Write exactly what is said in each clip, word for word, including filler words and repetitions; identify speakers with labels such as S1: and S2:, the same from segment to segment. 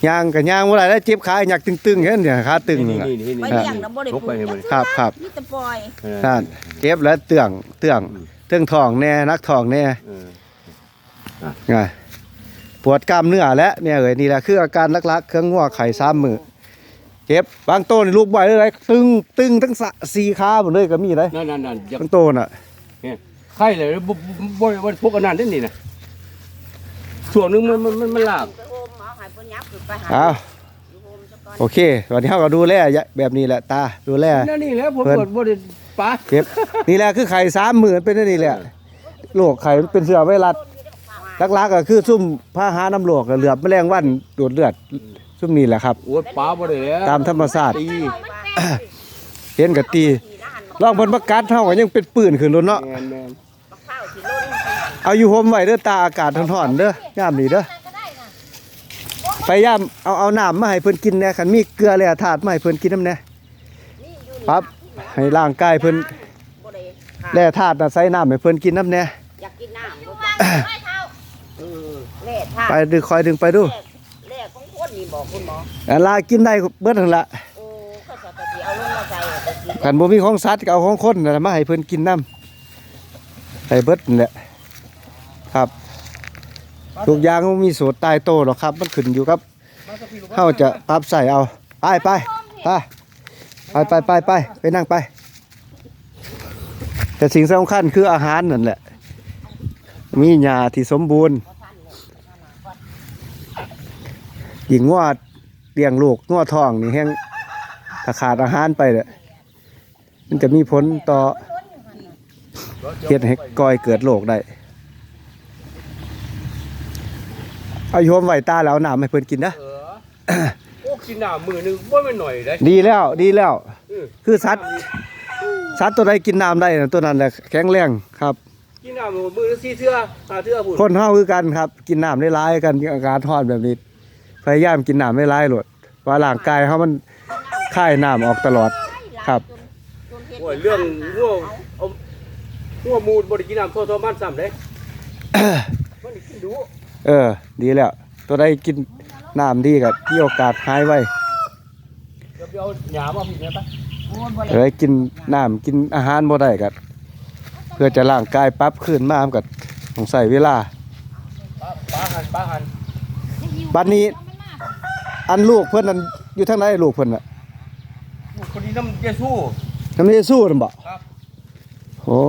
S1: ย่างกับย่างอะไรแล้วเจ็บขาอยากตึงๆเห็นเนี่ยขาตึง
S2: นี่
S1: อ่ะ
S2: นี่นี่
S3: ไป
S2: นี่
S3: เลี้ยงนะบ่ได้ปลูก
S1: ครับครับ
S3: มีแต่ปล่อย
S1: นั่นเจ็บแล้วเตื่องเตื่องเตื่องท้องแน่นักท้องแน่ไงปวดกล้ามเนื้อแล้วเนี่ยเอ้ยนี่แหละคืออาการลักๆเครื่องงัวไข่ซ้ำมือเจ็บบางโตนี่ลูกใบเลยตึงตึงทั้งสี่ขาหมดเลยก็มีเลย
S2: นั่นนั่นนั่น
S1: บางโตน่ะ
S2: ไข่เลยบ่บ่บ่พวกอันนั้นนี่นะส่วนนึงมันมันมันลาก
S3: ไปโฮมหมอให้เพิ่นยับขึ้นไปหา
S1: อ้าว
S3: อยู่โฮมซะก่อน
S1: โอเควันนี้เราก็ดูแลแบบนี้แหละตาดูแล
S2: นั่นนี่แหละผมกดบ่ได้ปะ
S1: เจ็บนี่แหละคือไข่สามหมื่นเป็นนี่แหละโรคไข่มันเป็นเสือไวรัสลักๆก็คือซุ่มผ้าหาน้ำโรคเหลือบแมลงวันดูดเลือดซุ่มนี่แหละครับ
S2: โอ้ยปลาบ่ได้แล้ว
S1: ตามธรรมชาติ
S2: ตี
S1: เห็นกับตีลองเพิ่นประกาศเท่าก็ยังเป็นปืนขึ้นรถเนาะ
S2: แม่นแม่น
S3: บักข้าวสิล้น
S1: เอาอยู่โฮมไว้เด้อตาอากาศร้อนๆเด้อยามนี้เด้อพยายามเอาเอาน้ำมาให้เพิ่นกินแหน่คันมีเกลือแร่ธาตุมาให้เพิ่นกินนำแหน่
S3: นี่อยู่นี่
S1: ปั๊บให้ร่างกายเพิ่น
S3: บ่ได้ค่ะ
S1: แร่ธาตุน่ะใส่น้ำให้เพิ่นกินนำแหน่
S3: อยากกินน้ำบ่จ้ะเออแร่ธาตุ
S1: ไปดึงคอยดึงไปดู
S3: แร่ของคนนี่บอกคุณหมอ
S1: อันลากินได้เบิดนั่นล่ะ
S3: โอ้เขาจะไปเอาลงมาใส่ไปกิน
S1: คันบ่มีของสัตว์ก็เอาของคนนั่นแหละมาให้เพิ่นกินนำให้เบิดนั่นแหละครับทุกอย่างมันมีสูตรตายโตหรอกครับมันขึ้นอยู่กับเฮาจะปรับใส่เอาไปไปไปไปไปไปไปนั่งไปแต่สิ่งสำคัญคืออาหารนั่นแหละมีหญ้าที่สมบูรณ์หญิงงวดเลี้ยงลูกงวดท้องนี่แห้งถ้าขาดอาหารไปเนี่ยมันจะมีผลต่อเฮ็ดให้ก่อยเกิดโรคได้เอาโยมไหวตาแล้วน้ำให้เพิ่นกินนะ
S2: เออโอ้กินน้ำมื้อนึงบ่แม่นหน่อยได้
S1: ดีแล้วดีแล้ว
S2: เออ
S1: คือสัตว์สัตว์ตัวใดกินน้ำได้น่ะตัวนั้นแหละแข็งแรงครับ
S2: กินน้ำมื้อละสี่เทื่อห้าเทื่อพุ่น
S1: คนเฮาคือกันครับ กินน้ำได้หลายกันมีอาการร้อนแบบนี้พยายามกินน้ำได้หลายโลดว่าร่างกายเฮามันคายน้ำออกตลอดครับ
S3: จนเฮ็ด
S2: โอ้ยเรื่องงัวเอางัวมูลบ่ได้กินน้ำโทอๆมันซ้ำเด้ มันกินดู
S1: เออ ดีแล้ว ตัวใดกินน้ำดีก็มีโอกาสหายไว
S2: เดี๋ยวไปเอาหญ้ามาพี่เนี่ยปะ
S1: เอ้ยกินน้ำกินอาหารบ่ได้ก็เพื่อจะร่างกายปรับคืนมามันก็ต้องใช้เวลา
S2: ปลาปลาหันปลาหัน
S1: บัดนี้อันลูกเพิ่นนั่นอยู่ทางไหนลูกเพิ่นน่ะ
S2: คนนี้น้ำเยซู
S1: น้ำเยซูนั่นบ่
S2: ครับ
S1: โอ้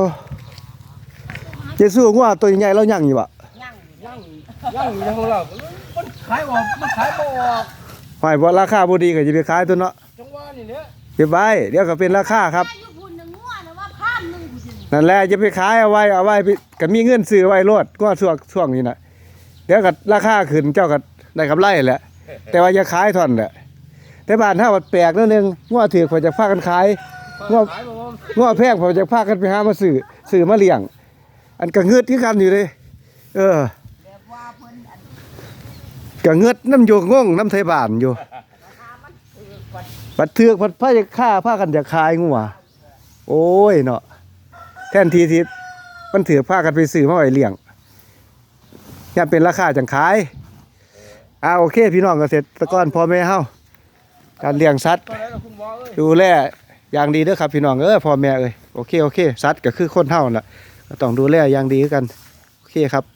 S1: เยซูงัวตัวใหญ่แล้วยังอยู่บ่
S3: ย่างอยู่
S2: ย่างย่างอยู่ในของเรามันขายออกมันขายบ่ออก
S1: หอยบ่ราคาบ่ดีก็สิไปขายตัวเนาะ
S2: จังหวะนี่เนี่ย
S1: เก็บไว้เดี๋ยวก็เป็นราคาครับ
S3: อยู่พุ่นนึงงัวนะว่าข้ามนึงผู้สิ
S1: นั่นแหละจะไปขายเอาไว้เอาไว้ก็มีเงินซื้อไว้โลดก็ช่วงช่วงนี้น่ะเดี๋ยวก็ราคาขึ้นเจ้าก็ได้กำไรแหละแต่ว่าอย่าขายท่อนแหละแต่บ้านเฮามันแปลกนิดนึงงัวถือเขาจะพากันขายงัว
S2: ขายบ่บ่
S1: งัวแพงเขาจะพากันไปหามาซื้อซื้อมาเลี้ยง อันก็เงือดคือกันอยู่เลยเออ
S3: แบบว่าเพิ่นอัน
S1: ก็เงือดน้ำอยู่งงน้ำไทยบ้านอยู่
S3: ราคามันถือกว่า
S1: บัดเทือกบัดพาจะฆ่าพากันจะขายงัวโอ้ยเนาะแทนทีที่มันถือพากันไปซื้อมาไว้เลี้ยงยามเป็นราคาจังขายอ่าโอเค พี่น้องเกษตรกรพ่อแม่เฮาการเลี้ยงสัตว์
S2: ตอนนั้นคุณหมอเอ้ย
S1: ดูแลอย่างดีเด้อครับพี่น้องเอ้ยพ่อแม่เอ้ยโอเคโอเคสัตว์ก็คือคนเฮานั่นล่ะก็ต้องดูแลอย่างดีคือกันโอเคครับ